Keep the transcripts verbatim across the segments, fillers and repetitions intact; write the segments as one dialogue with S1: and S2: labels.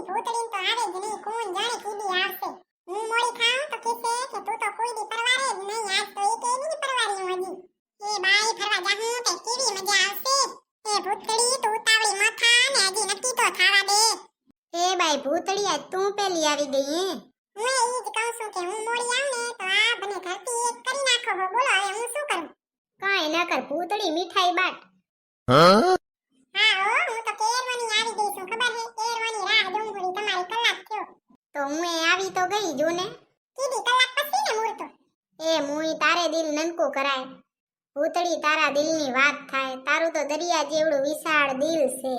S1: ભૂતડીન તો આવે જ નહીં, કોણ જાણે કીડી આવશે. હું મોડી ખાઉં તો કહેશે કે તું તો કોઈ દી પરવારે જ નહીં, આજ તો એક એ નહીં પરવારી હું હજી. એ બાઈ ફરવા જાહું તો કેવી મજા આવશે. એ ભૂતડી તું ઉતાવળી ન થા ને હજી નક્કી તો થાવા દે.
S2: એ બાઈ ભૂતળી આજ તું પેલી આવી ગઈ હે.
S1: હું એ ઈ જ કહું છું કે હું મોડી આવું ને તો આ બને ધરતી એક કરી નાખો હો. બોલો હવે હું શું કરું?
S2: કાંઈ ન કર ભૂતળી, મીઠાઈ બાટ.
S1: હા હો, હું તો કેરવાની આવી ગઈ છું, ખબર હે? કેરવાની રાહ ડુંગળી તમારી કલાક થયો.
S2: તો હું એ આવી તો ગઈ જો ને.
S1: કીધી કલાક પછી ને મૂર્તો.
S2: એ મુઈ તારે દિલ નનકું કરાય. ભૂતળી તારા દિલની વાત થાય, તારું તો દરિયા જેવડું વિશાળ દિલ છે.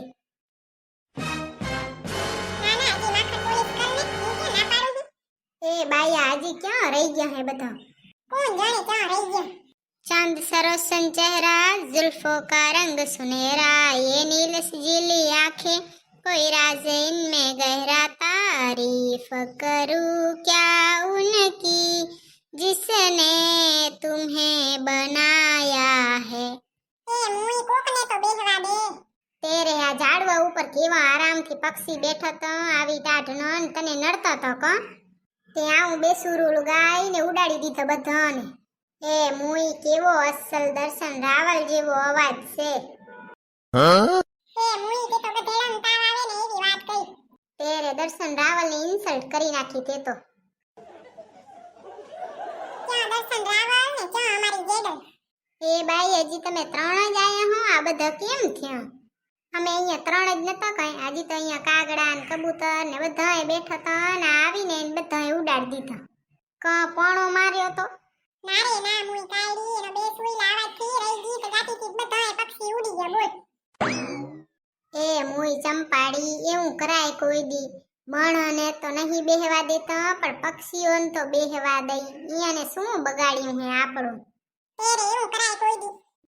S1: ના ના હજી માખણ પોલીસ કરને, હું કે ના પાડું છું.
S2: એ બાયા હજી ક્યાં રહી ગયા હે બધા?
S1: કોણ જાણે ક્યાં રહી ગયા.
S2: चांद सरोसन चेहरा, जुल्फों का रंग सुनहरा, ये नील सजीली आंखें, कोई राज इनमें गहरा, तारीफ करूं क्या उनकी जिसने तुम्हें बनाया है.
S1: એ મુઈ કોકને તો બેહવા દે.
S2: તેરે આ ઝાડવા ઉપર કેવા આરામથી પક્ષી બેઠો તો, આવી ટાઢનો ને તને નડતો તો કો. તે આવું બેસુરુલું ગાઈને ઉડાડી દીધો બધાને. એ મુઈ કેવો અસલ દર્શન રાવલ જેવો અવાજ છે.
S1: એ મુઈ તે તો ગધેડાનો તાવ આવે ને એવી વાત કહી.
S2: તેરે દર્શન રાવલની ઇન્સલ્ટ કરી નાખી તે તો.
S1: ક્યાં દર્શન રાવલ ને ક્યાં અમારી જેડલ.
S2: એ બાઈ હજી તમે ત્રણ જ આયા હો, આ બધા કેમ થયા? અમે અહીંયા ત્રણ જ નતા કઈ, હજી તો અહીંયા કાગડા ને કબૂતર ને બધાએ બેઠા હતા ને આવીને બધાએ ઉડાડી દીધા. ક પોણો માર્યો તો.
S1: ના રે ના, મુઈ કાયડી એનો બે સુઈલા આવાજથી રહી ગઈ તો જાતીથી બધાય પક્ષી ઉડી ગયા. બોલ.
S2: એ મુઈ ચંપાડી, એવું કરાય કોઈ દી? બણને તો નહીં બેહવા દેતા, પણ પક્ષીઓને તો બેહવા દઈ. ઈયાને શું બગાડ્યું હે આપણું?
S1: તેરે એવું કરાય કોઈ દી.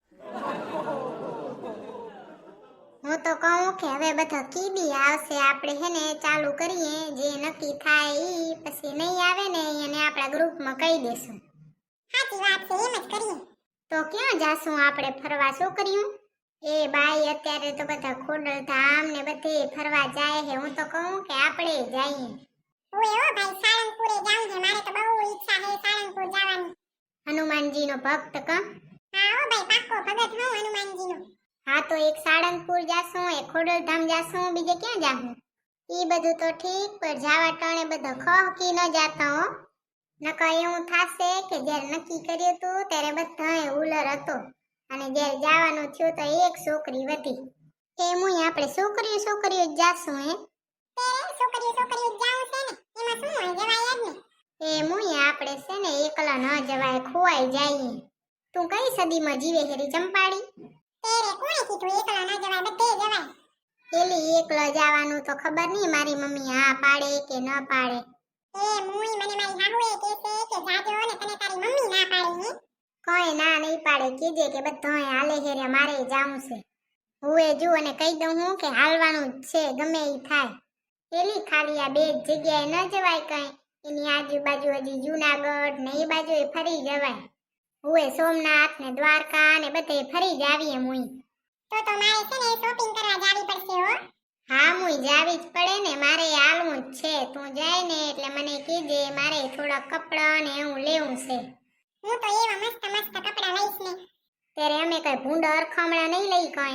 S2: હું તો કહું કે હવે બધા કીડી આવશે, આપણે હેને ચાલુ કરીએ, જે નક્કી થાય ઈ. પછી નહીં આવે ને એને આપણા ગ્રુપમાં કહી દેશું.
S1: સાચી વાત છે, એમ જ કરીએ.
S2: તો ક્યાં જાશું આપણે ફરવા? શું કર્યું? એ બાઈ અત્યારે તો બધા ખોડલધામ ને બધે ફરવા જાય છે. હું તો કહું કે આપણે જઈએ.
S1: ઓય ઓ ભાઈ, સાળંગપુરે જાઉં છે, મારે તો બહુ ઈચ્છા છે સાળંગપુર જવાની.
S2: હનુમાનજીનો ભક્ત કા?
S1: હા ઓ ભાઈ, પાક્કો ભગત હું હનુમાનજીનો.
S2: હા તો એક સાળંગપુર જાશું, એક ખોડલધામ જાશું, બીજે ક્યાં જાશું? ઈ બધું તો ઠીક, પણ જાવા ટાણે બધો ખહકી ન જાતા હો. નકા એવું થાશે કે જ્યારે નક્કી કર્યું તું ત્યારે બધાએ ઉલર હતો, અને જ્યારે જવાનું થયું તો એક છોકરી વધી. એમ આપણે છોકરીઓ છોકરીઓ જ જાશું હે.
S1: તેરે છોકરીઓ છોકરીઓ જાઉં છે ને, એમાં શું હોય, જવાય જ ને.
S2: એ મુઈ આપણે છે ને એકલા ન જવાય, ખોવાઈ જઈએ. તું કઈ સદીમાં જીવે હેરી ચંપાડી?
S1: તેરે કોણે કીધું એકલા ન જવાય, બધે જવાય.
S2: પેલી એકલા જવાનું તો ખબર નહીં મારી મમ્મી હા પાડે કે ન પાડે.
S1: એ મુઈ મને મારી હાહુએ કહેશે કે જાજો ને તને તારી મમ્મી ના પાડે હે.
S2: કોઈ ના નહીં પાડે, કીજે કે બધાએ હાલે હેરે મારે જાવું છે. હુએ જો અને કહી દઉં હું કે હાલવાનું જ છે, ગમે ઈ થાય. પેલી ખાલી આ બે જ જગ્યાએ ન જવાય કઈ, એની આજુબાજુ હજી જૂનાગઢ ને એ બાજુ ફરી જવાય. હુએ સોમનાથ ને દ્વારકા ને બધે ફરી જ આવીએ મુઈ.
S1: તો તો મારે છે ને શોપિંગ કરવા જાવી પડશે હો.
S2: હા મુઈ જાવી જ પડે ને, મારે હાલવું જ છે. તું જાય ને એટલે મને કીજે, મારે થોડા કપડાં ને એવું લેવું છે.
S1: હું તો એવા મસ્ત મસ્ત કપડા લઈશ ને.
S2: ત્યારે અમે કઈ ભૂંડા અરખામણા નહીં લઈ કઈ.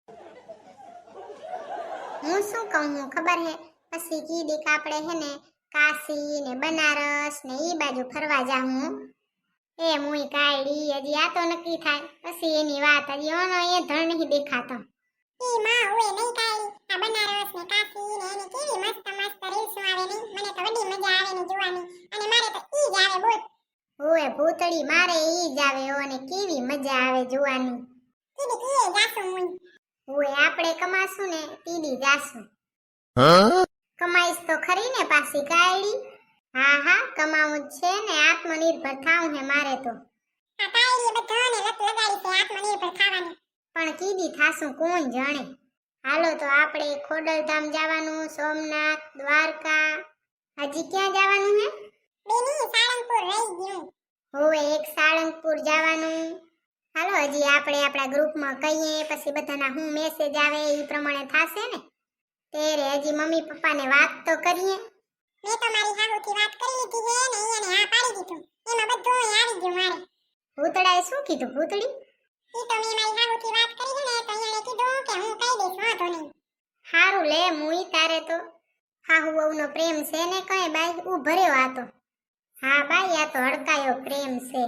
S2: હું શું કહું હું ખબર હે? પછી કીધી કે આપણે હે ને કાશી ને બનારસ ને ઈ બાજુ ફરવા જાહું. એ મુઈ કાયડી, હજી આ તો નક્કી થાય પછી એની વાત. હજી ઓનો એ ધણ નહીં દેખાતો.
S1: ઈ માં ઓય નહીં કાઈ, આ બનારસ ને કાશી ને એની કેવી મસ્ત મસ્ત રીલ્સ આવે ને, મને તો વડી મજા આવે ને જોવાની. અને મારે તો ઈ જ આવે. બોલ.
S2: ઓય ભૂતળી, મારે ઈ જ આવે હો, ને કેવી મજા આવે જોવાની.
S1: કીધી કીએ જાસુ મુઈ.
S2: ઓય આપણે કમાશું ને તીડી જાશું. કમાઈશ તો ખરી ને પાછી કાયડી. હા હા કમાવું જ છે ને, આત્મનિર્ભર થાવું હે મારે તો.
S1: આ કાયડીએ બધાને લત લગાડી છે આત્મનિર્ભર થાવાની.
S2: પણ કીધી થાશું કોણ જાણે. હાલો તો આપણે ખોડલધામ જવાનું, સોમનાથ, દ્વારકા. હજી ક્યાં જવાનું હે?
S1: બેની સાળંગપુર રહી ગયું.
S2: હોવે એક સાળંગપુર જવાનું. હાલો હજી આપણે આપણા ગ્રુપમાં કહીએ, પછી બધાના હું મેસેજ આવે એ પ્રમાણે થાશે ને. તેરે હજી મમ્મી પપ્પાને વાત તો કરીએ.
S1: મેં તો મારી હાહુથી વાત કરી લીધી છે ને એને હા પાડી દીધું. એમાં બધું આવી ગયું મારે.
S2: ભૂતડાએ શું કીધું ભૂતડી?
S1: ઈ તો મેં મારી હાહુથી વાત કરી છે ને તો એણે કીધું કે હું કહી દઈશ વાંધો નહીં.
S2: હારું લે મુઈ તારે તો હાહુ વહુનો પ્રેમ છે ને કઈ બાઈ ઉભર્યો આ તો. હા બાઈ આ તો હડકાયો પ્રેમ છે.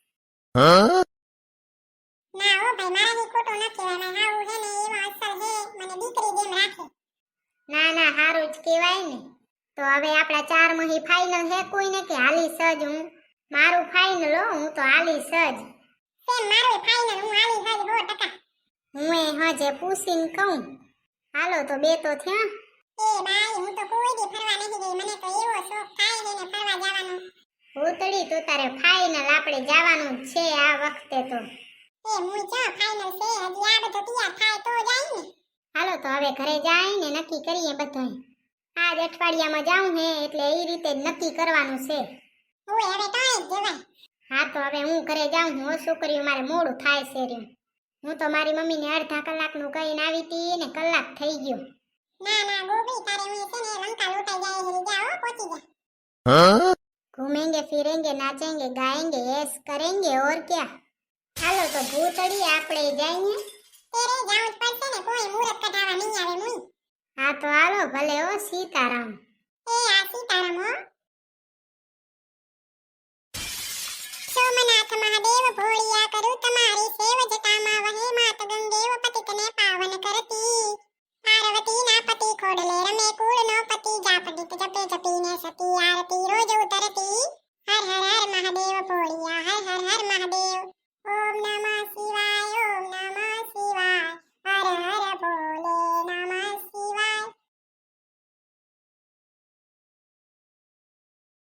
S1: ના હો ભાઈ મારાથી ખોટું ન કહેવાય. મારી હાહુ છે ને એવા અસર છે મને દીકરી જેમ રાખે.
S2: ના ના હારું જ કહેવાય ને. તો હવે આપણા ચાર મહી ફાઇનલ હે કોઈને કે હાલી સજ હું? મારું ફાઇનલ હો, હું તો હાલી સજ.
S1: સેમ મારો ફાઇનલ હું હાલી હજ સો ટકા.
S2: હું એ હજે પૂછીને કહું. હાલો તો બે તો થયા.
S1: એ બાઈ હું તો કોઈ દી ફરવા નથી ગઈ. મને તો એવો શોખ થાય છે ને ફરવા જવાનો.
S2: ભૂતડી તો તારે ફાઇનલ આપણે જવાનું જ છે આ વખતે તો.
S1: એ મુઈ ચા ફાઇનલ છે હજી આ બધું તૈયાર થાય તો જાય ને.
S2: હાલો તો હવે ઘરે જાય ને નક્કી કરીએ બધાય. આજ અઠવાડિયામાં જાઉં હે એટલે એ રીતે જ નક્કી કરવાનું છે.
S1: ઓય હવે કાંઈ જ જવાય.
S2: હા તો હવે હું ઘરે જાઉં હું છોકરીઓ મારે મોડું થાય છે રહ્યું. હું તો મારી મમ્મીને અડધા કલાકનું કહીને આવી હતી ને કલાક થઈ ગયો.
S1: ના ના ગોપી તારે હું છે ને લંકા લૂંટાઈ જાય હરી જાઓ પહોંચી જા.
S2: घूमेंगे फिरेंगे नाचेंगे गाएंगे ऐश करेंगे और क्या. હાલો તો ભૂતડી આપણે જઈએ.
S1: તેરે જાવું જ પડશે ને કોઈ મુહૂર્ત કઢાવા નહીં આવે મુઈ.
S2: હા તો હાલો ભલે ઓ સીતારામ.
S1: એ આ સીતારામ હો. સોમનાથ મહાદેવ ભોળિયા કરું તમારી સેવ જટામાં વહે માત ગંગેવ પતિતને પાવન કરતી. પાર્વતી ના પતિ ખોડલે રમે